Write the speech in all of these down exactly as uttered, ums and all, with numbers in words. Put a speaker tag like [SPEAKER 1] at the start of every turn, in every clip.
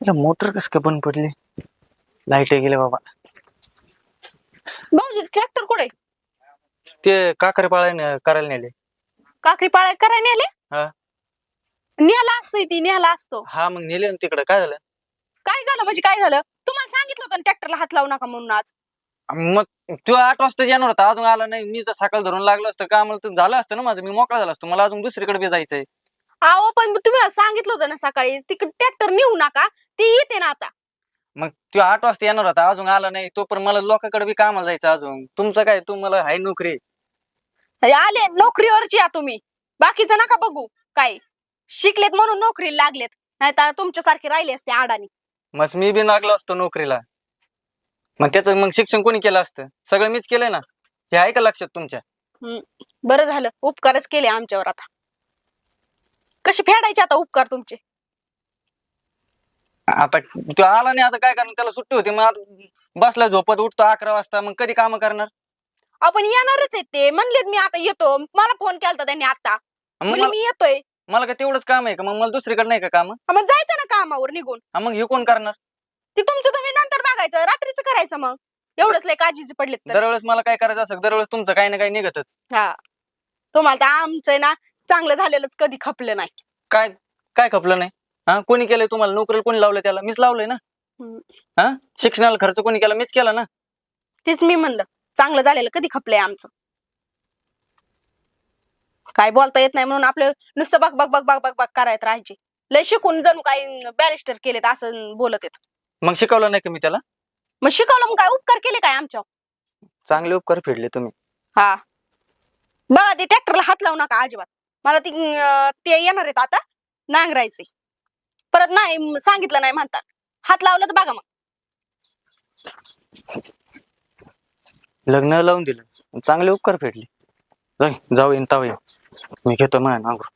[SPEAKER 1] Motor कस काय बंद पडली? लाईट गेले बाबा.
[SPEAKER 2] भाऊजी ट्रॅक्टर कुठे?
[SPEAKER 1] ते काकर पाळायला करायला नेले.
[SPEAKER 2] काकरी पाळाय करायला नेले?
[SPEAKER 1] हा
[SPEAKER 2] न्याला असतोय ती न्याला असतो.
[SPEAKER 1] हा मग नेले ना तिकडे. काय झालं?
[SPEAKER 2] काय झालं म्हणजे काय झालं? तुम्हाला सांगितलं होतं ट्रॅक्टरला हात लावू नका म्हणून आज.
[SPEAKER 1] मग तो आठ वाजता येणार होता, अजून आला नाही. मी तर सकाळ धरून लागलो असतं का, मला तर झालं असतं ना माझं, मी मोकळा झाला असतो. मला अजून दुसरीकडे बी जायचंय.
[SPEAKER 2] अहो पण तुम्ही सांगितलं होतं ना सकाळी तिकडे ट्रॅक्टर नेऊ नका, ती येते ना आता.
[SPEAKER 1] मग तो आठ वाजता येणार होता, अजून आला नाही. तो पण मला लोकांकडे बी कामाला जायचं अजून. तुमचं काय, तुम्हाला हाय नोकरी.
[SPEAKER 2] आले नोकरीवरची या तुम्ही, बाकीचं नका बघू. काय शिकलेत म्हणून नोकरीला लागलेत, नाही तर तुमच्यासारखे राहिले असते आडानी.
[SPEAKER 1] मग मी बी लागलो असतो नोकरीला. मग त्याचं मग शिक्षण कोणी केलं असतं? सगळं मीच केलंय ना. हे आहे का लक्षात तुमच्या?
[SPEAKER 2] हम्म बरं झालं, उपकारच केले आमच्यावर. आता कसे फेडायचे आता उपकार तुमचे?
[SPEAKER 1] आता तो आला नाही, आता काय करणार? त्याला सुट्टी होती, मग बसला झोपत, उठतो अकरा वाजता. मग कधी काम करणार?
[SPEAKER 2] आपण येणारच आहेत ते म्हणलेत, मी आता येतो. मला फोन केलता त्यांनी आता, म्हणजे मी येतोय.
[SPEAKER 1] मला काय तेवढंच काम आहे का? मग मला दुसरीकडे नाही का काम?
[SPEAKER 2] मग जायचं ना कामावर निघून.
[SPEAKER 1] मग हे कोण करणार?
[SPEAKER 2] ते तुमचं तुम्ही नंतर बघायचं, रात्रीचं करायचं. मग एवढंच लय काळजीचे पडलेत तर.
[SPEAKER 1] दरवेळेस मला काय करायचं असं, दरवेळेस तुमचं काही ना काही निघतच.
[SPEAKER 2] हा तुम्हाला तर आमचं ना चांगलं झालेलंच कधी खपलं नाही.
[SPEAKER 1] काय काय खपलं नाही? हा कोणी केलंय तुम्हाला? नोकरीला कोणी लावलंय? त्याला मीच लावलंय ना. हा शिक्षणाला खर्च कोणी केला? मीच केला ना.
[SPEAKER 2] तेच मी म्हणलं, चांगलं झालेलं कधी खपलंय आमचं? काय बोलता येत नाही म्हणून आपलं नुसतं बघ बघ बघ बघ बघ बघ करायत राहायचे. लय शिकून जणू काही बॅरिस्टर केलेत असं बोलत येत.
[SPEAKER 1] मग शिकवलं नाही का मी त्याला?
[SPEAKER 2] मग शिकवलं, मग काय उपकार केले काय आमच्यावर?
[SPEAKER 1] चांगले उपकार फेडले तुम्ही.
[SPEAKER 2] हा बघा, ते ट्रॅक्टरला हात लावू नका अजिबात. मला ती ते येणार आहेत आता नांगरायचे, परत नाही सांगितलं नाही म्हणतात. हात लावलं तर बघा मग.
[SPEAKER 1] लग्न लावून दिलं, चांगले उपकार फेडले. जाई जाऊ येईन ताऊ येईन, मी घेतो माझ्या नांगरून.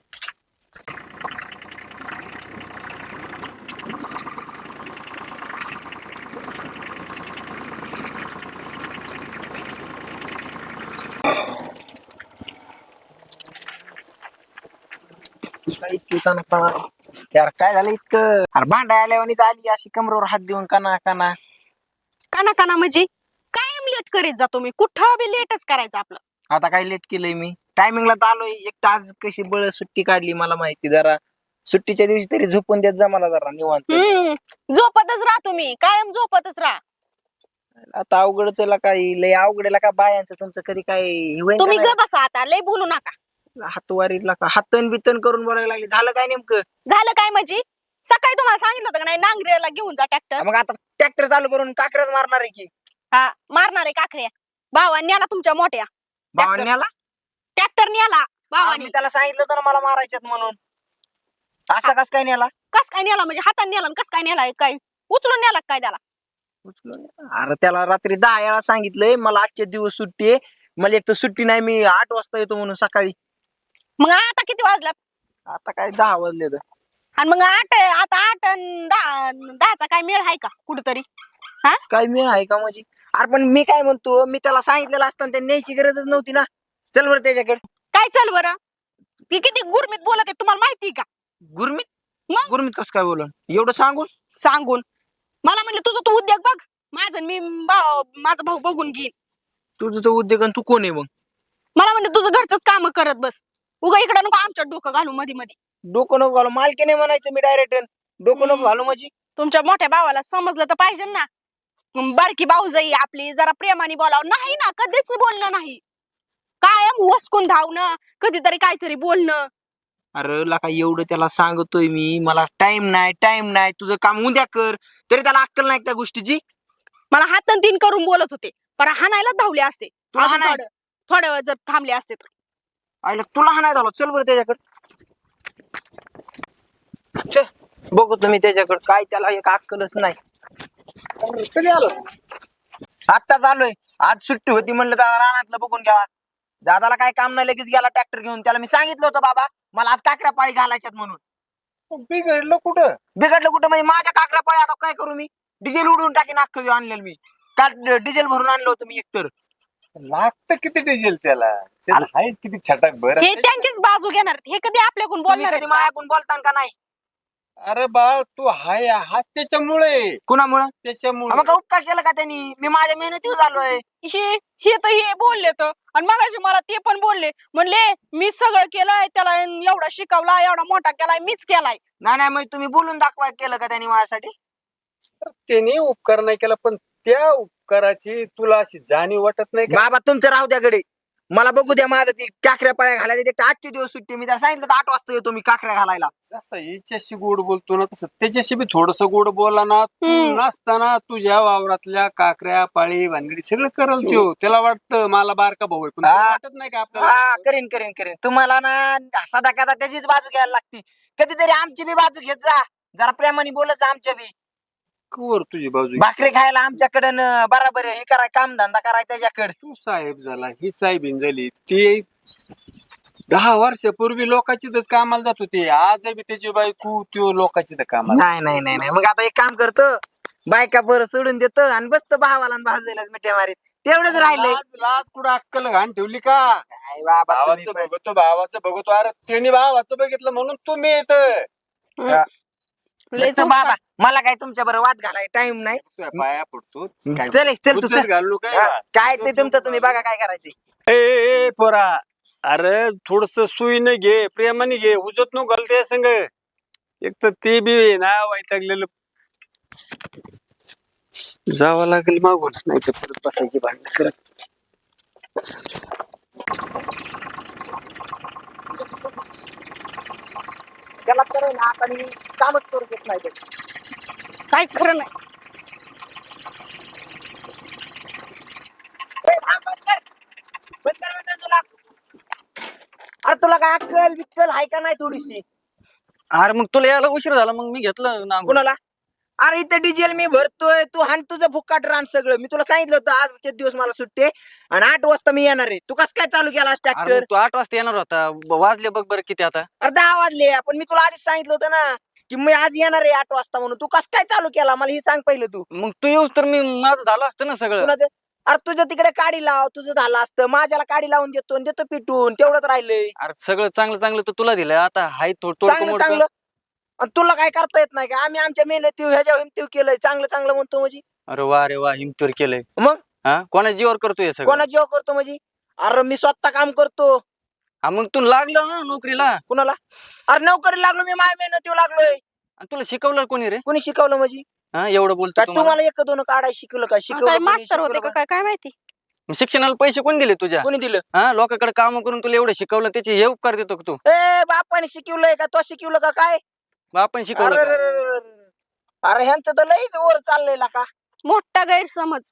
[SPEAKER 3] यार काय झालं इतकं? अरे भांडा आल्यावानीच आली अशी कमरेवर हात देऊन काना काना
[SPEAKER 2] काना काना म्हणजे कायम लेट करीत जातो मी, कुठं बी लेटच करायचं आपलं.
[SPEAKER 3] आता काय लेट केलंय मी? टायमिंगला तर आलोय. एक तास कशी बळ सुट्टी काढली मला माहिती. जरा सुट्टीच्या दिवशी तरी झोपून देत जा मला जरा निवांत.
[SPEAKER 2] हम्म झोपतच राहतो मी, कायम झोपतच राहा.
[SPEAKER 3] आता अवघडच काही लय अवघडेला का बायांचं तुमचं कधी काय होईन
[SPEAKER 2] तुम्ही
[SPEAKER 3] का
[SPEAKER 2] ग बसा आता, लय बोलू नका.
[SPEAKER 3] नाही? हातवारीला का हातन बितन करून बोलायला लागले. झालं काय नेमकं?
[SPEAKER 2] झालं काय म्हणजे? सकाळी तुम्हाला सांगितलं होतं का नाही नांगरेला घेऊन जा ट्रॅक्टर?
[SPEAKER 3] मग आता ट्रॅक्टर चालू करून काकरच मारणार आहे की?
[SPEAKER 2] हा मारणार आहे काकड्या. भावांनी आला तुमच्या मोठ्या
[SPEAKER 3] भावांनीला
[SPEAKER 2] ट्रॅक्टर न्याला भावानी.
[SPEAKER 3] मी त्याला सांगितलं होतं ना मला मारायच्यात म्हणून. असं कस काय नेला?
[SPEAKER 2] कस काय नेला म्हणजे? हाताने नेला कस काय नेला? काय उचलून नेला काय त्याला?
[SPEAKER 3] अरे त्याला रात्री दहा वेळा सांगितलंय मला आजचे दिवस सुट्टी आहे. मला एक तर सुट्टी नाही, मी आठ वाजता येतो म्हणून सकाळी.
[SPEAKER 2] मग आता किती वाजलात?
[SPEAKER 3] आता काय दहा वाजले तर.
[SPEAKER 2] आणि मग आठ आता आठ अन दहा दहाचा काय मेळ आहे का कुठतरी? हा
[SPEAKER 3] काय मिळ आहे का म्हणजे? अरे पण मी काय म्हणतो, मी त्याला सांगितलेलं असताना त्या न्यायची गरजच नव्हती ना. चल बरं त्याच्याकडे.
[SPEAKER 2] काय चल बरं? ती किती गुरमीत बोलत आहे तुम्हाला माहिती का?
[SPEAKER 3] गुरमीत?
[SPEAKER 2] मग?
[SPEAKER 3] गुरमीत कसं काय बोलून? एवढं सांगून?
[SPEAKER 2] सांगून मला म्हणलं तुझं तू उद्योग बघ, माझं मी भाऊ माझा भाऊ बघून घेईन.
[SPEAKER 3] तुझं तो उद्योग आणि तू कोण आहे मग?
[SPEAKER 2] मला म्हणलं तुझं घरचंच काम करत बस, उगा इकडे नको आमच्या डोकं घालू मध्ये मध्ये.
[SPEAKER 3] डोकं नको घालू मालकीने म्हणायचं मी डायरेक्ट. डोकं नको घालू म्हणजे?
[SPEAKER 2] तुमच्या मोठ्या भावाला समजलं तर पाहिजे ना. मग बारकी भाऊजाई आपली जरा प्रेमाने बोलावं. नाही ना, कधीच बोलणं नाही. कायम वसकून धावणं, कधीतरी काहीतरी बोलणं.
[SPEAKER 3] अरे लका एवढं त्याला सांगतोय मी, मला टाइम नाही टाइम नाही, तुझं काम उद्या कर. तरी त्याला अक्कल नाही त्या गोष्टीची.
[SPEAKER 2] मला हातन तीन करून बोलत होते, पण हाणायला धावले असते.
[SPEAKER 3] तुला
[SPEAKER 2] अजून
[SPEAKER 3] हाणाय?
[SPEAKER 2] थोडं थोड्या वेळ जर थांबले असते तर.
[SPEAKER 3] आईला तुला हा नाही झालं. चल बरं त्याच्याकडे. चल बघू तुम्ही त्याच्याकडे. काय त्याला एक अक्कलच नाही. कधी आलो? आत्ताच आलोय. आज सुट्टी होती म्हणलं त्याला रानातलं बघून घ्यावा. दादाला काय काम नाही, लगेच गेला ट्रॅक्टर घेऊन. त्याला मी सांगितलं होतं बाबा मला आज काकऱ्या पाळी घालायच्यात म्हणून.
[SPEAKER 4] बिघडलं कुठं?
[SPEAKER 3] बिघडलं कुठं म्हणजे? माझ्या काकऱ्या पाळी आता काय करू मी? डिझेल उडवून टाकीन अख्खं आणलेलं मी. काल डिझेल भरून आणलं होतं मी एकतर.
[SPEAKER 4] लागतं किती डिझेल त्याला? त्याला आहे किती छटाक भर.
[SPEAKER 2] हे त्यांचीच बाजू घेणार. हे कधी आपल्याकडून
[SPEAKER 3] तुम्ही
[SPEAKER 2] बोलणार
[SPEAKER 3] कधी
[SPEAKER 2] आहेत का?
[SPEAKER 3] मायाकून बोलतान का नाही?
[SPEAKER 4] अरे बाळ तू हाय हाच त्याच्यामुळे
[SPEAKER 3] कुणामुळं
[SPEAKER 4] त्याच्यामुळे
[SPEAKER 3] मग का उपकार केलं का त्यांनी? मी माझ्या मेहनतीवर झालोय.
[SPEAKER 2] हे हे तर हे बोलले तर आणि मगाशी मला ते पण बोलले म्हणले मी सगळं केलंय त्याला एवढा शिकवला एवढा मोठा केलाय मीच केलाय.
[SPEAKER 3] नाही नाही मग तुम्ही बोलून दाखवा केलं का त्यांनी माझ्यासाठी?
[SPEAKER 4] त्याने उपकार नाही केला पण त्या उपकाराची तुला अशी जाणीव वाटत नाही का?
[SPEAKER 3] बाबा तुमचं राहू द्या गडे. मला बघू द्या माझं ती काकऱ्या पाळ्या घालायला. ते आजचे दिवस सुट्टी मी त्याला सांगितलं तर आठ वाजता येतो मी काकऱ्या घालायला.
[SPEAKER 4] जसं हिच्याशी गोड बोलतो ना तसं त्याच्याशी बी थोडस गोड बोला ना. तू
[SPEAKER 2] हम्म.
[SPEAKER 4] नसताना तुझ्या वावरातल्या काकऱ्या पाळी भानगडी सगळं करल त्यो. त्याला वाटतं मला बारका भाऊ आहे पण तुला
[SPEAKER 3] हा.
[SPEAKER 4] वाटत नाही का
[SPEAKER 3] हा
[SPEAKER 4] आपल्याला?
[SPEAKER 3] करीन करीन करीन. तुम्हाला ना सदा कदा त्याचीच बाजू घ्यायला लागती. कधीतरी आमची बी बाजू घेत जा. जरा प्रेमाने बोलत जा आमच्या बी.
[SPEAKER 4] कवर तुझी बाजू
[SPEAKER 3] भाकरी खायला आमच्याकडे बराबर हे कराय काम धंदा कराय त्याच्याकडे.
[SPEAKER 4] तू साहेब झाला ही साहेबीन झाली ती दहा वर्षापूर्वी लोकांचीच कामाला जात होती. आज बी त्याची बायको त्यो लोकांची कामाला.
[SPEAKER 3] नाही नाही नाही नाही मग आता एक काम करतो. बायका बरं सोडून देतो आणि बसतो भावाला आणि भाजलेला मिठ्या मारीत. तेवढंच राहिलंय.
[SPEAKER 4] लाज लाज कुठं अक्कल घाण ठेवली का?
[SPEAKER 3] काय बाबा तुम्ही
[SPEAKER 4] भावाचं
[SPEAKER 3] पण.
[SPEAKER 4] बघतो भावाचं बघतो. अरे त्याने भावाचं बघितलं म्हणून तुम्ही येत
[SPEAKER 2] लय
[SPEAKER 3] चल बाबा मला काय तुमच्या बरोबर वाद घालाय टाइम नाही.
[SPEAKER 4] पाया पडतो काय
[SPEAKER 3] चल एक, चल तू
[SPEAKER 4] उचलत
[SPEAKER 3] चल.
[SPEAKER 4] घालू काय
[SPEAKER 3] हा, काय ते तुमचं तुम्ही बघा काय करायचे.
[SPEAKER 4] ए, ए, ए, पोरा अरे थोडस सुईने घे प्रेमाने घे उजत नो घालते संग. एक तर ते बी आहे ना वैतागलेलं. जावं लागेल मागून नाही तर परत बसायची भांडण करत.
[SPEAKER 3] त्याला तर ना आता मी कामच करू देत नाही ते.
[SPEAKER 2] काय खरं नाही.
[SPEAKER 3] ए, थांब, बंद कर. बंद कर म्हणतोय तुला. अरे तुला काय अक्कल बिक्कल आहे का नाही थोडीशी?
[SPEAKER 1] अरे मग तुला यायला उशीर झाला मग मी घेतलं ना.
[SPEAKER 3] कुणाला? अरे इथं डिझेल मी भरतोय. तू हाण तुझं फुक्काट रान सगळं. मी तुला सांगितलं होतं आजचे दिवस मला सुट्टी आहे आणि आठ वाजता मी येणार आहे. तू कसं काय चालू केला
[SPEAKER 1] अरे
[SPEAKER 3] ट्रॅक्टर?
[SPEAKER 1] मग तू आठ वाजता येणार होता ब- वाजले बघ बरं किती आता.
[SPEAKER 3] अरे दहा वाजले पण मी तुला आधीच सांगितलं होतं ना की मी आज येणार आहे आठ वाजता म्हणून. तू कसं काय चालू केला मला हे सांग पहिलं तू.
[SPEAKER 1] मग तू येऊस तर मी माझं झालं असतं ना सगळं.
[SPEAKER 3] कुणाचं? अरे तुझ्या तिकडे काडी लाव तुझं झालं असतं. माझ्याला काडी लावून देतो आणि देतो पिटून तेवढंच राहिलंय.
[SPEAKER 1] अरे सगळं चांगलं चांगलं तर तुला दिलंय आता हाय थोडं थोडं
[SPEAKER 3] चांगलं
[SPEAKER 1] मोडकं.
[SPEAKER 3] चांगलं आणि तुला काय करता येत नाही का? आम्ही आमच्या मेहनती ह्याच्या हिमतीव केलंय. चांगलं चांगलं म्हणतो म्हणजे
[SPEAKER 1] अरे वा रे वा हिमतोर केलंय.
[SPEAKER 3] मग
[SPEAKER 1] हा कोणा जीवर करतोय हे सगळं?
[SPEAKER 3] कोणा जीव करतो म्हणजे? अरे मी स्वतः काम करतो.
[SPEAKER 1] हा मग तू लागलं ना नोकरीला.
[SPEAKER 3] कुणाला? अरे नोकरी लागलो मी माझ्या मेहनतीवर लागलोय.
[SPEAKER 1] आणि तुला शिकवलं कोणी रे?
[SPEAKER 3] कोणी शिकवलं म्हणजे?
[SPEAKER 1] हा एवढं बोलतो
[SPEAKER 3] काय
[SPEAKER 1] तुम्हाला.
[SPEAKER 3] तुम्हाला एक दोन काढाय शिकवलं का?
[SPEAKER 2] काय
[SPEAKER 3] शिकवलं कोणी?
[SPEAKER 2] मास्तर होते
[SPEAKER 3] शिकवलं
[SPEAKER 2] का
[SPEAKER 3] का?
[SPEAKER 2] काय काय माहिती.
[SPEAKER 1] शिक्षणाला पैसे कोण दिले तुझ्या?
[SPEAKER 3] कोणी दिलं?
[SPEAKER 1] हा लोकांकडे काम करून तुला एवढं शिकवलं त्याचे हे उपकार देतो का तू?
[SPEAKER 3] ए बापाने शिकवलंय का? तो शिकवलं का काय?
[SPEAKER 1] मग आपण
[SPEAKER 3] अरे
[SPEAKER 1] शिकवलं
[SPEAKER 3] रे
[SPEAKER 1] का?
[SPEAKER 3] रे रे रे. अरे ह्यांचं तर लईच वर चाललंय का?
[SPEAKER 2] मोठा गैरसमज.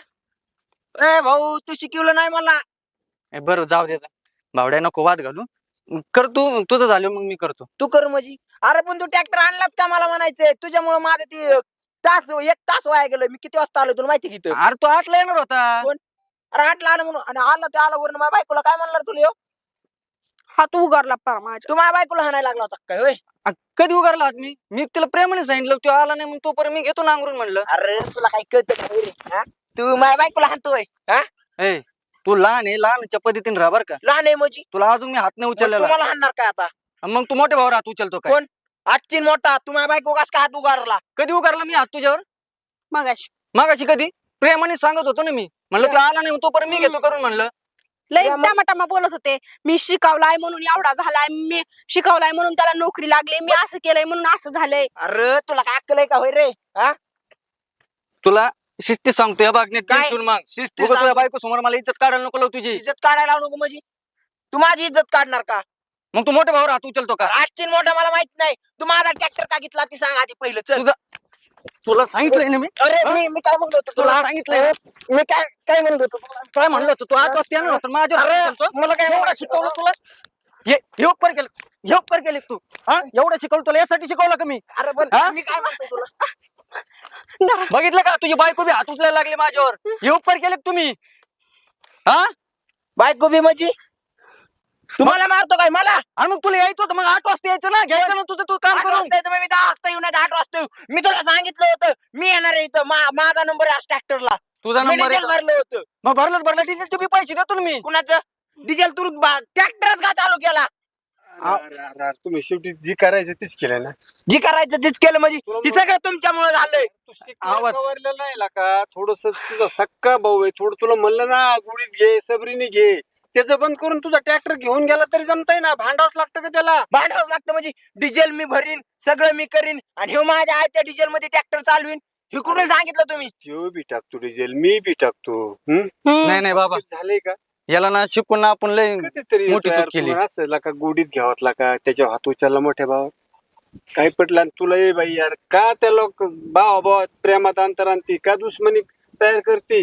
[SPEAKER 3] ए भाऊ तू शिकवलं नाही मला.
[SPEAKER 1] ए, बरं जाऊ दे आता. भावड्या नको वाद घालू. कर तू तुझं झालं मग मी करतो.
[SPEAKER 3] तू कर म्हणजे? अरे पण तू ट्रॅक्टर आणलाच का मला म्हणायचंय? तुझ्यामुळे माझं ते तास एक तास वाया गेलं. मी किती वाजता आलो तुला माहिती किती?
[SPEAKER 1] अरे तू आठला येणार होता.
[SPEAKER 3] कोण? अरे आठला आलं म्हणून आणि आलं ते आलं वरून माझ्या बायकोला काय म्हणणार तुला ह्यो?
[SPEAKER 2] हात उगारला पार माझ्या.
[SPEAKER 3] तू माझ्या बायकोला हाणायला लागला होता काय होय?
[SPEAKER 1] आ, कधी उगारला हात मी? मी तिला प्रेमाने सांगितलं तू आला नाही मग तोपर्यंत मी घेतो नांगरून म्हणलं.
[SPEAKER 3] अरे तुला काही कळतं का रे? हा? तू माझ्या बायकोला हाणतोय हा?
[SPEAKER 1] ए तू लहान आहे लहानच्या पद्धतीने राहा बरं का.
[SPEAKER 3] लहान आहे म्हणजे?
[SPEAKER 1] तुला अजून मी हात नाही
[SPEAKER 3] मग
[SPEAKER 1] उचललेला.
[SPEAKER 3] तुम्हाला हाणणार काय आता?
[SPEAKER 1] मग तू मोठ्या भावावर हात उचलतो काय?
[SPEAKER 3] कोण? आजची मोठा तू माझ्या बायको कस काय हात उगारला?
[SPEAKER 1] कधी उगारला मी हात तुझ्यावर?
[SPEAKER 2] मगाशी
[SPEAKER 1] मागाशी कधी? प्रेमाने सांगत होतो ना मी. म्हणलं तू आला नाही तोपर्यंत मी घेतो करून म्हणलं.
[SPEAKER 2] लई
[SPEAKER 3] या मग-
[SPEAKER 2] टमाटामा बोलत होते. मी शिकवलाय म्हणून एवढा झालाय. मी शिकवलाय म्हणून त्याला नोकरी लागली. मी असं केलंय म्हणून असं झालंय.
[SPEAKER 3] अरे तुला काय अक्कल आहे का होय रे? हा?
[SPEAKER 1] तुला शिस्ती सांगतोय बागण्यात
[SPEAKER 3] काय?
[SPEAKER 1] घेऊन मग
[SPEAKER 3] शिस्ती
[SPEAKER 1] उगाच तुझ्या
[SPEAKER 3] सांग.
[SPEAKER 1] बायको समोर मला इज्जत काढायला नको लावू तुझी.
[SPEAKER 3] इज्जत काढायला लावू नको म्हणजे? तू माझी इज्जत काढणार का?
[SPEAKER 1] मग तू मोठ्या भावावर हात उचलतो का?
[SPEAKER 3] आजची मोठा मला माहित नाही. तू माझा ट्रॅक्टर का घेतला ती सांग आधी पहिलं. चल.
[SPEAKER 1] तुझा- तुला सांगितलंय ना मी.
[SPEAKER 3] अरे मी मी काय म्हणलो होतो
[SPEAKER 1] तुला
[SPEAKER 3] तुला?
[SPEAKER 1] सांगितलंय.
[SPEAKER 3] मी काय काय म्हणलो होतो तुला?
[SPEAKER 1] काय म्हणलं होतं तू आठ वाजता येणार होता माझ्यावर हात उचलतो?
[SPEAKER 3] मला काय
[SPEAKER 1] एवढं शिकवलं तुला? हे हे उपकार केलं हे उपकार केले तू. हा एवढं शिकवलं तुला यासाठी शिकवलं का मी?
[SPEAKER 3] अरे पण
[SPEAKER 1] हा?
[SPEAKER 3] मी काय म्हणतो तुला?
[SPEAKER 2] धरा.
[SPEAKER 1] बघितलं का तुझी बायको बी हात उचलायला लागली माझ्यावर. हे उपकार केले का तुम्ही? हा
[SPEAKER 3] बायको बी म्हणजे? तुम्हाला मारतो काय मला?
[SPEAKER 1] आणि मग तुला यायचं होतं मग आठ वाजता यायचं ना घ्यायचं ना तुझं तू काम
[SPEAKER 3] आठ
[SPEAKER 1] करून.
[SPEAKER 3] वाजता येतो मी दहा वाजता येऊ नाही आठ वाजता येऊ. मी तुला सांगितलं होतं मी येणार आहे इथं. मा- माझा नंबर आहे ट्रॅक्टरला.
[SPEAKER 1] तुझा नंबर आहे का?
[SPEAKER 3] भरलं होतं.
[SPEAKER 1] मग भरलं भरलं डिझेलचे बी पैसे देतो ना मी.
[SPEAKER 3] कुणाचं डिझेल तू ट्रॅक्टरच का चालू केला?
[SPEAKER 4] अरे, अरे, अरे, तुम्ही शेवटी जी करायचं तीच केलं ना.
[SPEAKER 3] जी करायचं तीच केलं म्हणजे हे सगळं तुमच्यामुळे झालंय.
[SPEAKER 4] तू शिकलेला
[SPEAKER 1] आवाज.
[SPEAKER 4] कवरलेला आहे का थोडस तुझा सक्का भाऊ आहे थोडं तुला म्हणलं ना गुढीत घे सबरीने घे त्याचं बंद करून तुझा ट्रॅक्टर घेऊन गेला तरी जमताय ना भांडावच लागतं का त्याला.
[SPEAKER 3] भांडावं लागतं म्हणजे डिझेल मी भरीन सगळं मी करीन आणि हे माझ्या आयत्या डिझेल मध्ये ट्रॅक्टर चालवीन हे कुठे सांगितलं तुम्ही.
[SPEAKER 4] तो बी टाकतो डिझेल मी बी टाकतो. हम्म?
[SPEAKER 1] नाही नाही बाबा
[SPEAKER 4] झालंय का
[SPEAKER 1] याला ना शिकून ना आपण लय
[SPEAKER 4] कधीतरी
[SPEAKER 1] मोठी
[SPEAKER 4] यार
[SPEAKER 1] चूक केली.
[SPEAKER 4] तुम्हाला असं का गोडीत घ्यावातला का त्याच्या हात उचलला मोठ्या भाव काय पटलं आणि तुला ये बाई यार का त्या लोक भाव भावात प्रेमात अंतर आणती का दुश्मनी तयार करते.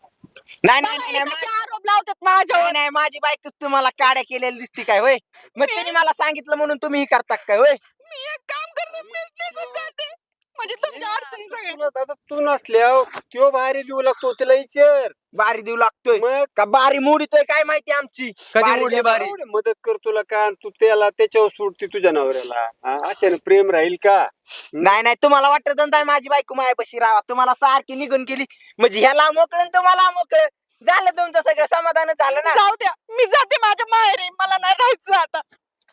[SPEAKER 3] नाही नाही, नाही
[SPEAKER 2] हे
[SPEAKER 3] नाही,
[SPEAKER 2] कसे आरोप लावतात माझ्यावर.
[SPEAKER 3] नाही, नाही माझी बायकोच तुम्हाला काड्या केलेली दिसती काय होय. मग तिने मला सांगितलं म्हणून तुम्ही ही करता काय होय.
[SPEAKER 2] मी एक काम करते मीच निघून जाते म्हणजे तुमच्या अडचणी सगळ्या.
[SPEAKER 4] तुला दादा तू नसल्यावर त्यो बाहेर देऊ लागतो तिला विचार
[SPEAKER 3] बारी देऊ लागतोय
[SPEAKER 4] मग
[SPEAKER 3] का बारी मोडीतोय काय माहिती आमची.
[SPEAKER 1] कधी
[SPEAKER 3] बारी
[SPEAKER 1] मोडली
[SPEAKER 3] दे-
[SPEAKER 1] बारी?
[SPEAKER 4] एवढी मदत कर तुला का आणि तू त्याला त्याच्यावर सोडते तुझ्या नवऱ्याला हा? अशाने प्रेम राहील का.
[SPEAKER 3] नाही नाही तुम्हाला वाटत नाही माझी बायको मायापाशी राहा तुम्हाला सारखी निघून गेली म्हणजे ह्याला मोकळं आणि तुम्हाला मोकळं झालं तुमचं सगळं समाधान झालं ना.
[SPEAKER 2] जाऊ द्या मी जाते माझ्या माहेरी मला नाही राहायचं आता.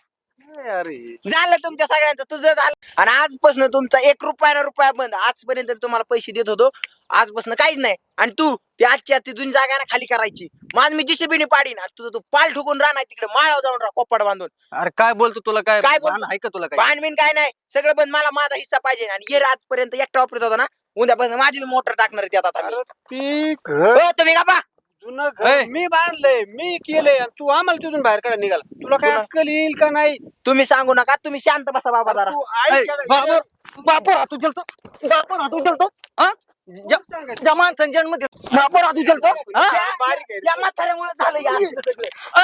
[SPEAKER 4] काय अरे
[SPEAKER 3] झालं तुमच्या सगळ्यांचं तुझं झालं आणि आजपासून तुमचा एक रुपया ना रुपया बंद. आजपर्यंत तुम्हाला पैसे देत होतो आजपासून काहीच नाही. आणि तू ती आजची आज ती जुनी जागा ना खाली करायची माझ मी जिशेबीने पाडीन आणि तुझं तू पाल ठोकून राहणार तिकडे माळावर जाऊन राहा कोपड बांधून.
[SPEAKER 1] अरे काय बोलतो तुला काय
[SPEAKER 3] काय बोलतो?
[SPEAKER 1] भान आहे का तुला काय
[SPEAKER 3] पानबिन काय नाही सगळं बंद मला माझा हिस्सा पाहिजे आणि ये आजपर्यंत एकटा वापरत होता ना उद्यापासून माझी मोटर टाकणार आहे त्यात आता मी.
[SPEAKER 4] अरे ती घर
[SPEAKER 3] हो तुम्ही का पा
[SPEAKER 4] जुनं घर
[SPEAKER 1] ए.
[SPEAKER 4] मी बांधलंय मी केलंय आणि तू आम्हाला तिथून बाहेर काढा निघाला तुला काय
[SPEAKER 3] तुला-
[SPEAKER 4] अक्कल येईल का नाही.
[SPEAKER 3] तुम्ही सांगू नका तुम्ही शांत बसा बाबा जरा.
[SPEAKER 4] तू ऐक
[SPEAKER 1] ए,
[SPEAKER 4] जरा.
[SPEAKER 1] बाबर बापर हात उचलतो बापर हात उचलतो हा ज- जमान संजन मध्ये बापर हात उचलतो हा?
[SPEAKER 4] त्या बारीक आहे रे.
[SPEAKER 3] या म्हाताऱ्यामुळे झालं या असलं सगळं.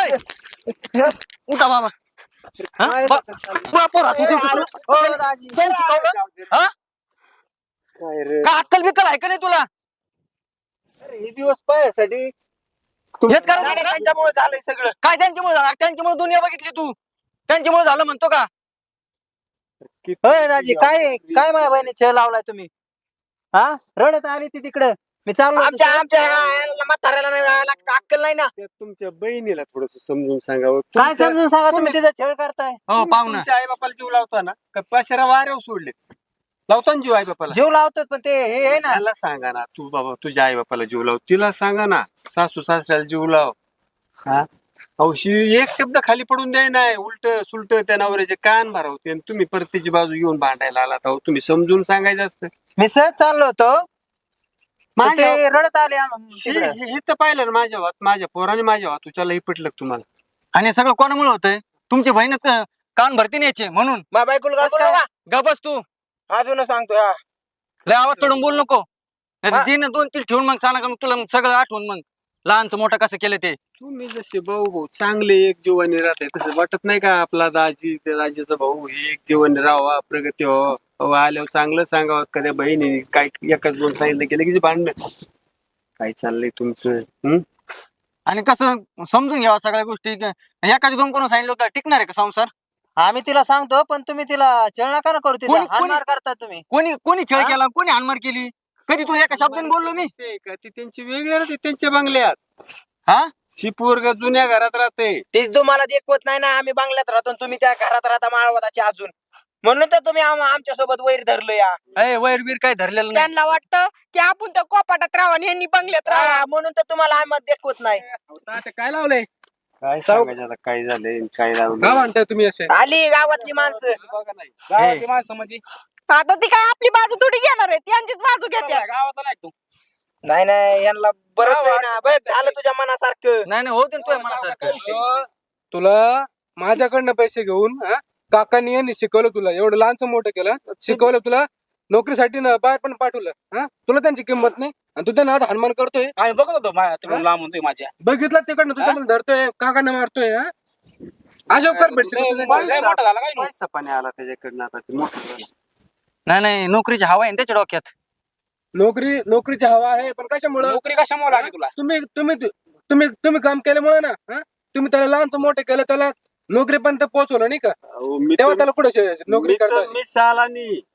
[SPEAKER 1] ऐ, उठा बाबा हा?
[SPEAKER 4] काय
[SPEAKER 1] बा-
[SPEAKER 4] चाललंय?
[SPEAKER 1] बापर हात उचलतो तुला.
[SPEAKER 3] हो, दाजी.
[SPEAKER 1] कोण शिकवलं हा
[SPEAKER 4] काय रे
[SPEAKER 1] का अक्कल बिक्कल आहे का नाही तुला
[SPEAKER 4] अरे, हे दिवस पायासाठी
[SPEAKER 1] हेच करायचं
[SPEAKER 3] नाही,
[SPEAKER 1] होतं का?
[SPEAKER 3] त्यांच्यामुळे झालंय सगळं.
[SPEAKER 1] काय त्यांच्यामुळे झालं त्यांच्यामुळे दुनिया बघितली तू त्यांच्यामुळे झालं म्हणतो का.
[SPEAKER 4] किती-
[SPEAKER 5] होय दाजी काय काय माझ्या बहिणी छळ लावलाय तुम्ही हा रडत आली ती तिकडे मी चाललो होतो
[SPEAKER 3] आमच्या
[SPEAKER 5] सर.
[SPEAKER 3] आमच्या या म्हाताऱ्याला नाही यायला अक्कल नाही ना.
[SPEAKER 4] त्या तुमच्या बहिणीला थोडस समजून सांगावं
[SPEAKER 5] काय
[SPEAKER 4] तुमच्या-
[SPEAKER 5] समजून सांगा तुम्ही
[SPEAKER 4] तुम्ही-
[SPEAKER 5] तिचा छळ करताय
[SPEAKER 1] हो
[SPEAKER 4] तुम्ही
[SPEAKER 1] पाहुणा
[SPEAKER 4] तुमच्या आई बापाला जीव लावता ना का पाशेरा वाऱ्यावर सोडले लावता ना जीव आई बापाला.
[SPEAKER 5] जीव लावतात पण ते हे आहे ना
[SPEAKER 4] त्याला सांगा ना तू बाबा तुझ्या आई बापाला जीव लाव तिला सांगा ना सासू सासऱ्याला जीव लाव हा अहो शी एक शब्द खाली पडून द्याय नाही उलट सुलट त्या नवऱ्याचे कान भरवते आणि तुम्ही परत त्याची बाजू घेऊन भांडायला आलात अहो तुम्ही समजून सांगायचं असतं.
[SPEAKER 5] मी सहज चाललो होतो पण
[SPEAKER 4] माझ्या
[SPEAKER 5] ते रडत आले आम-
[SPEAKER 4] हे
[SPEAKER 5] तिकडं.
[SPEAKER 4] हे- हे तर पाहिलं ना माझ्या वात माझ्या पोराने माझ्या वात तुझ्याला हे पटलं का तुम्हाला.
[SPEAKER 1] आणि हे सगळं कोणामुळे होतंय तुमची बहीणच अं, कान भरती न्यायचे म्हणून
[SPEAKER 3] माझ्या बायकोला
[SPEAKER 5] कसं
[SPEAKER 3] काय
[SPEAKER 5] काय?
[SPEAKER 3] बोलू
[SPEAKER 1] गबस तू
[SPEAKER 3] का? अजून सांगतो हा.
[SPEAKER 1] लय आवाज चढून बोल नको
[SPEAKER 3] हा.
[SPEAKER 1] तीन दोन तीन ठेवून मग सांगा का मग तुला मग सगळं आठवून मग लहानचं मोठं कसं केलं ते.
[SPEAKER 4] तुम्ही जसे भाऊ भाऊ चांगले एक जीवाने राहते तसं वाटत नाही का आपला दाजी त्या दाजीचा भाऊ हे एक जीवाने राहावा प्रगती व्हावा अहो, आल्यावर चांगलं सांगावं कधी बहिणी काय एकाच दोन सांगितलं केलं की भांडण काय चाललंय तुमचं. हम्म
[SPEAKER 1] आणि कसं समजून घ्यावा सगळ्या गोष्टी एखादी दोन कोण सांगितलं का टिकणार आहे का संसार.
[SPEAKER 5] आम्ही तिला सांगतो पण तुम्ही तिला छळ नका ना करू तिचा
[SPEAKER 1] कोणी-
[SPEAKER 5] हानमार करता तुम्ही
[SPEAKER 1] कोणी कोणी छळ
[SPEAKER 5] हा?
[SPEAKER 1] केला कोणी हानमार केली कधी तुला एका शब्दाने बोललो मी
[SPEAKER 4] विषय आहे का ती त्यांची वेगळी राहते त्यांच्या बंगल्यात
[SPEAKER 1] हा
[SPEAKER 4] शी पोरग जुन्या घरात राहते.
[SPEAKER 3] ते तुम्हाला देखवत नाही ना आम्ही बांगल्यात राहतो आणि तुम्ही त्या घरात राहता माळवताचे अजून म्हणून तर तुम्ही आमच्या सोबत वैर धरलं या.
[SPEAKER 1] अय वैर बीर काय धरलेलं नाही.
[SPEAKER 2] त्यांना वाटतं की आपण त्या कोपाटात राहावं आणि यांनी बंगल्यात राहावं.
[SPEAKER 3] हा, म्हणून तर तुम्हाला आम्हाला देखवत नाही.
[SPEAKER 4] काय लावलंय काय सांगायचं आता काय झालंय काय लावलं
[SPEAKER 6] काय म्हणताय तुम्ही असे
[SPEAKER 3] आली गावातली माणसं.
[SPEAKER 4] बघा नाही
[SPEAKER 6] गावातली माणसं म्हणजे
[SPEAKER 2] आता ती काय आपली बाजू थोडी घेणार आहे त्यांचीच बाजू घेते.
[SPEAKER 6] गावात नाही तू
[SPEAKER 3] नाही नाही यांना बरंच आहे ना बघ झालं तुझ्या मनासारखं.
[SPEAKER 1] नाही नाही होते तुझ्या मनासारखं.
[SPEAKER 6] तुला- तुला माझ्याकडनं पैसे घेऊन हा, काकांनी यांनी शिकवलं तुला एवढं लहानचं मोठं केलं शिकवलं तुला नोकरीसाठी ना बाहेर पण पाठवलं हा तुला त्यांची किंमत नाही आणि तू त्यांना आज हनुमान करतोय
[SPEAKER 7] आम्ही बघत होतो मा- तिकडून
[SPEAKER 6] हा?
[SPEAKER 7] लांब म्हणतोय माझ्या
[SPEAKER 6] बघितलं तिकडनं तू त्यांना धरतोय काकांना मारतोय हा अशोक कर भेट शिकवतो त्यांना.
[SPEAKER 7] लय मोठा झाला काय नु?
[SPEAKER 4] पैसा पाणी आला त्याच्याकडनं आता ते मोठं झालं.
[SPEAKER 1] नाही नाही नोकरीची हवा आहे ना त्याच्या डोक्यात.
[SPEAKER 6] नोकरी नोकरीची हवा आहे पण कशामुळं
[SPEAKER 7] नोकरी कशामुळे लागली तुला
[SPEAKER 6] तुम्ही तुम्ही तुम्ही तुम्ही काम केल्यामुळे ना हा तुम्ही त्याला लहानचं मोठं केलं त्याला नोकरीपर्यंत पोहोचवलं नाही का
[SPEAKER 4] अहो, मी
[SPEAKER 6] तेव्हा
[SPEAKER 4] तर-
[SPEAKER 6] त्याला कुठे नोकरी
[SPEAKER 4] मी तर-
[SPEAKER 6] करता
[SPEAKER 4] मी सालानी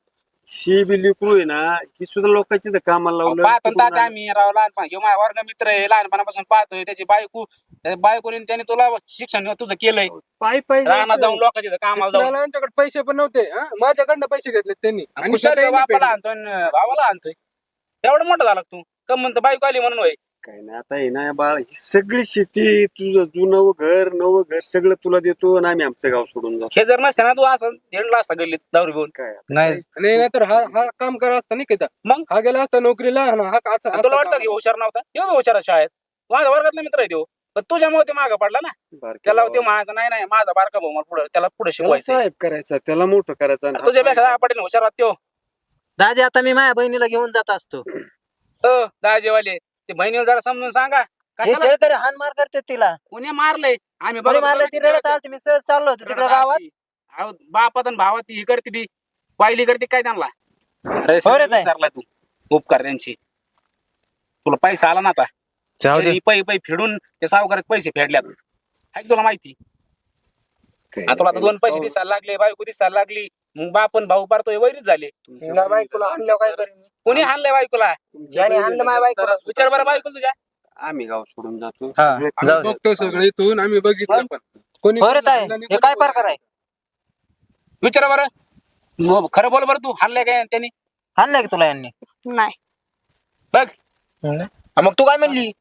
[SPEAKER 4] शी बी लिकरू आहे ना ही सुद्धा लोकांची तर कामाला लावलं
[SPEAKER 7] पाहतो
[SPEAKER 4] तिकडून
[SPEAKER 7] तात्या आम्ही राव लहानपण ह्यो माझा वर्ग मित्र आहे लहानपणापासून पाहतोय त्याची बायको त्या बायकोने त्याने तुला शिक्षण तुझं केलंय
[SPEAKER 4] पायी पायी
[SPEAKER 7] रानात
[SPEAKER 4] जायचं.
[SPEAKER 7] जाऊन लोकांच्या इथं कामाला जाऊन
[SPEAKER 6] शिक्षणाला यांच्याकडे पैसे पण नव्हते हा? माझ्याकडनं पैसे घेतले त्यांनी आणि
[SPEAKER 7] कुशाल
[SPEAKER 6] स्वतः यांनी
[SPEAKER 7] बापाला
[SPEAKER 6] फेडले.
[SPEAKER 7] आणतोय आणि भावाला आणतोय एवढं मोठं झाला का तू कम म्हणतो बायको आली म्हणून होय
[SPEAKER 4] काय नाही आता आहे ना बाळ ही सगळी शेती तुझं जुनं घर नवं घर सगळं तुला देतो आणि आम्ही आमचं गाव सोडून जातो
[SPEAKER 7] हे जर नसते ना तू असं हेंडला असता गल्लीत दारू घेऊन
[SPEAKER 4] काय
[SPEAKER 1] नाही
[SPEAKER 6] आणि नाहीतर हा हा काम करा असता नाही का
[SPEAKER 7] मग?
[SPEAKER 6] हा गेला असता नोकरीला आणि हा का- असं-
[SPEAKER 7] आणि तुला
[SPEAKER 6] असं
[SPEAKER 7] वाटतं
[SPEAKER 6] काम.
[SPEAKER 7] की हुशार नव्हता येऊ बी हुशार शाळेत माझा वर्गातला मित्र आहे तो पण तुझ्यामुळे ते मागं पडला ना
[SPEAKER 4] बारक्या
[SPEAKER 7] त्याला
[SPEAKER 4] भावाला.
[SPEAKER 7] ते म्हणायचं नाही नाही माझा बारका भाऊ मला पुढे त्याला पुढे
[SPEAKER 4] त्याला
[SPEAKER 7] शिकवायचं
[SPEAKER 4] साहेब करायचा त्याला मोठं करायचं आणि
[SPEAKER 7] तुझ्यापेक्षा दहा पटीने हुशार वाटतो त्यो.
[SPEAKER 5] दाजी आता मी माझ्या बहिणीला घेऊन जात असतो
[SPEAKER 7] अ दहाजेवाले ते बहिणीला जरा समजून सांगा
[SPEAKER 5] हे
[SPEAKER 7] कशाला
[SPEAKER 5] शेळकरी हान मार करते तिला
[SPEAKER 7] कोणी मारलंय आम्ही
[SPEAKER 5] कोणी
[SPEAKER 7] बघत
[SPEAKER 5] मारलं
[SPEAKER 7] होतो
[SPEAKER 5] ती
[SPEAKER 7] ना
[SPEAKER 5] रडत आलती मी सहज चाललो होतो तिकडे गावात
[SPEAKER 7] अहो, बापात आणि भावात ती ही करते ती वाईली करते काय त्यांना अरे
[SPEAKER 5] हो रे ताई.
[SPEAKER 7] विसरलाय तू उपकार त्यांची तुला पैसा आला ना आता
[SPEAKER 1] जाऊ दे
[SPEAKER 7] तरी पै पै फेडून त्या सावकारात पैसे फेडल्यात आहे का तुला माहिती आता तुला आता दोन पैसे दिसायला लागले बायको दिसायला लागली मग बापन भाऊ पारतोय वैरीच झाले
[SPEAKER 3] तुला बायकोला आणल्यावर काय करेन मी?
[SPEAKER 7] कोणी हाणलंय बायकोला
[SPEAKER 3] ज्याने आणलं माझ्या बायकोला
[SPEAKER 7] विचार बरं बायको तुझ्या
[SPEAKER 4] आम्ही गाव सोडून जातो
[SPEAKER 1] हा,
[SPEAKER 4] सगळे
[SPEAKER 6] आम्ही
[SPEAKER 1] जाऊ दे.
[SPEAKER 6] बघतो सगळे इथून आम्ही बघितलं पण कोणी
[SPEAKER 5] हो रे ताई
[SPEAKER 6] कोणी
[SPEAKER 5] हे काय प्रकार आहे
[SPEAKER 7] विचार बरं मग खरं बोल बरं तू हाणलंय काय त्यांनी
[SPEAKER 5] हाणलंय की तुला यांनी
[SPEAKER 2] नाही
[SPEAKER 7] बघ
[SPEAKER 3] हा, मग तू काय म्हणली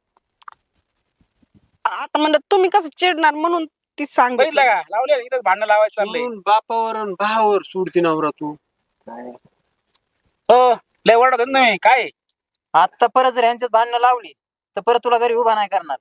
[SPEAKER 2] आता म्हणलं तुम्ही कसं चिडणार म्हणून ती
[SPEAKER 7] बघितलं
[SPEAKER 2] सांगितलं
[SPEAKER 7] का लावले इथं भांडणं लावायचं चाललंय
[SPEAKER 4] सोडून बापावर आणि भावावर सोडती नवरा तू
[SPEAKER 7] हो लय वरडत होत ना मी काय
[SPEAKER 5] आता परत जर यांच्यात भांडणं लावली तर परत तुला घरी उभा नाही करणार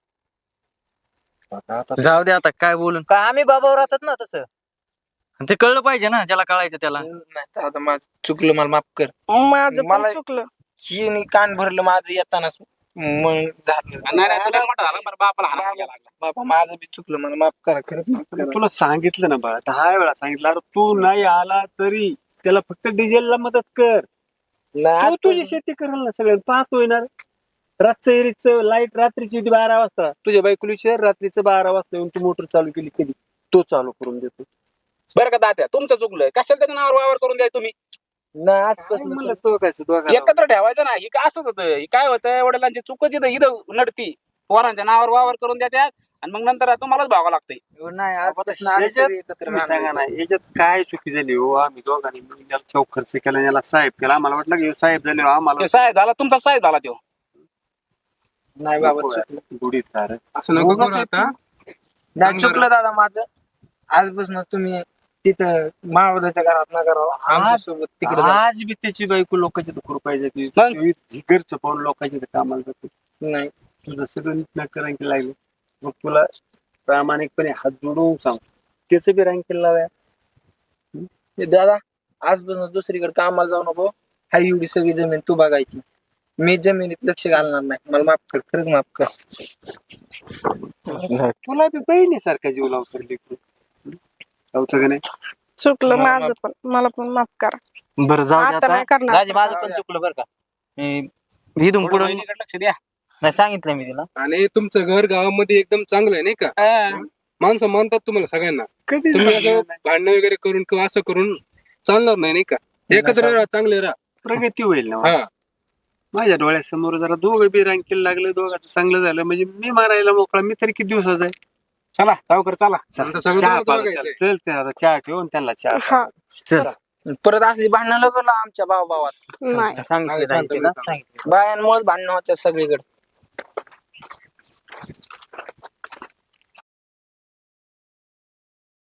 [SPEAKER 1] जाऊ दे आता काय बोलून
[SPEAKER 5] का आम्ही बाबावर राहतात ना तसं
[SPEAKER 1] ते कळलं पाहिजे ना ज्याला कळायचं त्याला
[SPEAKER 3] नाही तर आता माझं चुकलं मला माफ कर
[SPEAKER 2] माझं पण
[SPEAKER 3] मला-
[SPEAKER 2] चुकलं
[SPEAKER 3] हिने कान भरलं माझं येतानाच मग झालं
[SPEAKER 7] नाही नाही तुला मोठा झाला बरं बापाला हाणायला
[SPEAKER 3] बाबा-
[SPEAKER 7] लागला
[SPEAKER 3] बाबा माझं बी चुकलं मला माफ करा खरंच माफ
[SPEAKER 4] अरे
[SPEAKER 3] करा
[SPEAKER 4] तुला सांगितलं ना बाळा दहा वेळा सांगितलं अरे तू नाही आला तरी त्याला फक्त डिझेलला मदत कर
[SPEAKER 3] नाही
[SPEAKER 4] तू तुझी शेती करेल ना सगळं पाहतोय ना रातचं एरीचं लाईट रात्रीची ती बारा वाजता तुझ्या बायकोली शहर रात्रीचं बारा वाजता येऊन तू मोटर चालू केली कधी तो चालू करून देतो
[SPEAKER 7] बरं का तात्या तुमचं चुकलंय कशाला त्याच्या नावावर वावर करून द्याय तुम्ही
[SPEAKER 3] नाही आजपासून
[SPEAKER 4] म्हणलं तो काय दोघांना
[SPEAKER 7] एकत्र ठेवायचं ना ही काय असंच होतं ही काय होतं वडिलांची चुकच इथं इथं नडती पोरांच्या नावावर वावर करून देतात आणि मग नंतर तुम्हालाच भागावं लागतंय
[SPEAKER 3] नाही आजपासून आम्ही
[SPEAKER 4] याच्यात
[SPEAKER 3] सगळे एकत्र
[SPEAKER 4] तुम्ही सांगा
[SPEAKER 3] राहणार.
[SPEAKER 4] ना याच्यात काय चुकी झाली हो आम्ही दोघांनी मिळून याला चौक खर्च केला याला साहेब केला आम्हाला वाटलं की ह्यो साहेब झाले हो, आम्हाला
[SPEAKER 7] तो साहेब झाला तुमचा साहेब झाला तो
[SPEAKER 3] नाही बाबा चुकलं.
[SPEAKER 4] गुढीत कार
[SPEAKER 6] असं नको करू आता
[SPEAKER 3] नाही
[SPEAKER 6] चांगलं
[SPEAKER 3] चुकलं दादा माझं आजपासून तुम्ही तिथं महावदाच्या घरात न करावं आमच्यासोबत तिकडे जा.
[SPEAKER 4] आज बी त्याची बायको लोकांच्या तर कृपा आहे की
[SPEAKER 7] मग?
[SPEAKER 4] ही घरचं पाहून लोकांच्या इथं कामाला जातो
[SPEAKER 3] नाही
[SPEAKER 4] तुझं सगळं नीट रँकिंग लागलं मग तुला प्रामाणिकपणे हात जोडून सांग त्याचं बी रँकिंग लाव्या
[SPEAKER 3] हे दादा आजपासून दुसरीकडे कामाला जाऊ नको हा एवढी सगळी जमीन तू बघायची मी जमिनीत लक्ष घालणार नाही मला माफ कर खरंच माफ कर
[SPEAKER 4] तुला बी बहिणीसारखा जीव लावतो लेकरू लावतं का नाही
[SPEAKER 2] चुकलं माझं पण मला पण माफ करा
[SPEAKER 1] बरं जाऊ दे
[SPEAKER 2] आता
[SPEAKER 1] आता
[SPEAKER 2] नाही करणार
[SPEAKER 5] दाजी माझं पण चुकलं बरं का मी
[SPEAKER 1] इथून
[SPEAKER 7] थोडं
[SPEAKER 1] पुढे
[SPEAKER 7] बहिणीकडे लक्ष द्या
[SPEAKER 5] नाही सांगितलं मी तिला
[SPEAKER 6] आणि तुमचं घर गावामध्ये एकदम चांगलं आहे नाही का
[SPEAKER 7] हा.
[SPEAKER 6] माणसं मानतात तुम्हाला सगळ्यांना
[SPEAKER 4] कधी
[SPEAKER 6] तुम्ही असं भांडणं वगैरे करून किंवा असं करून चालणार नाही नाही का एकत्र राहा चांगले राहा
[SPEAKER 4] प्रगती होईल ना
[SPEAKER 6] हा
[SPEAKER 4] माझ्या डोळ्यासमोर जरा दोघं बी रँकिंग लागलं दोघांचं चांगलं झालं म्हणजे मी मारायला मोकळा मी तरी किती दिवसाचा आहे
[SPEAKER 7] चला सावकर चला
[SPEAKER 6] आता सगळं
[SPEAKER 4] चहा
[SPEAKER 6] तुम्हाला
[SPEAKER 4] पाला
[SPEAKER 6] बघायचंय.
[SPEAKER 4] त्याला. चल ते आता चहा ठेवून त्यांना चहा
[SPEAKER 2] हा
[SPEAKER 1] चल
[SPEAKER 3] परत असली भांडणं लागलं आमच्या भाऊ भावात
[SPEAKER 2] नाही
[SPEAKER 5] सांगितलं दाजी तिला सांगितलं
[SPEAKER 3] बायांमुळे भांडणं होत्या सगळीकडे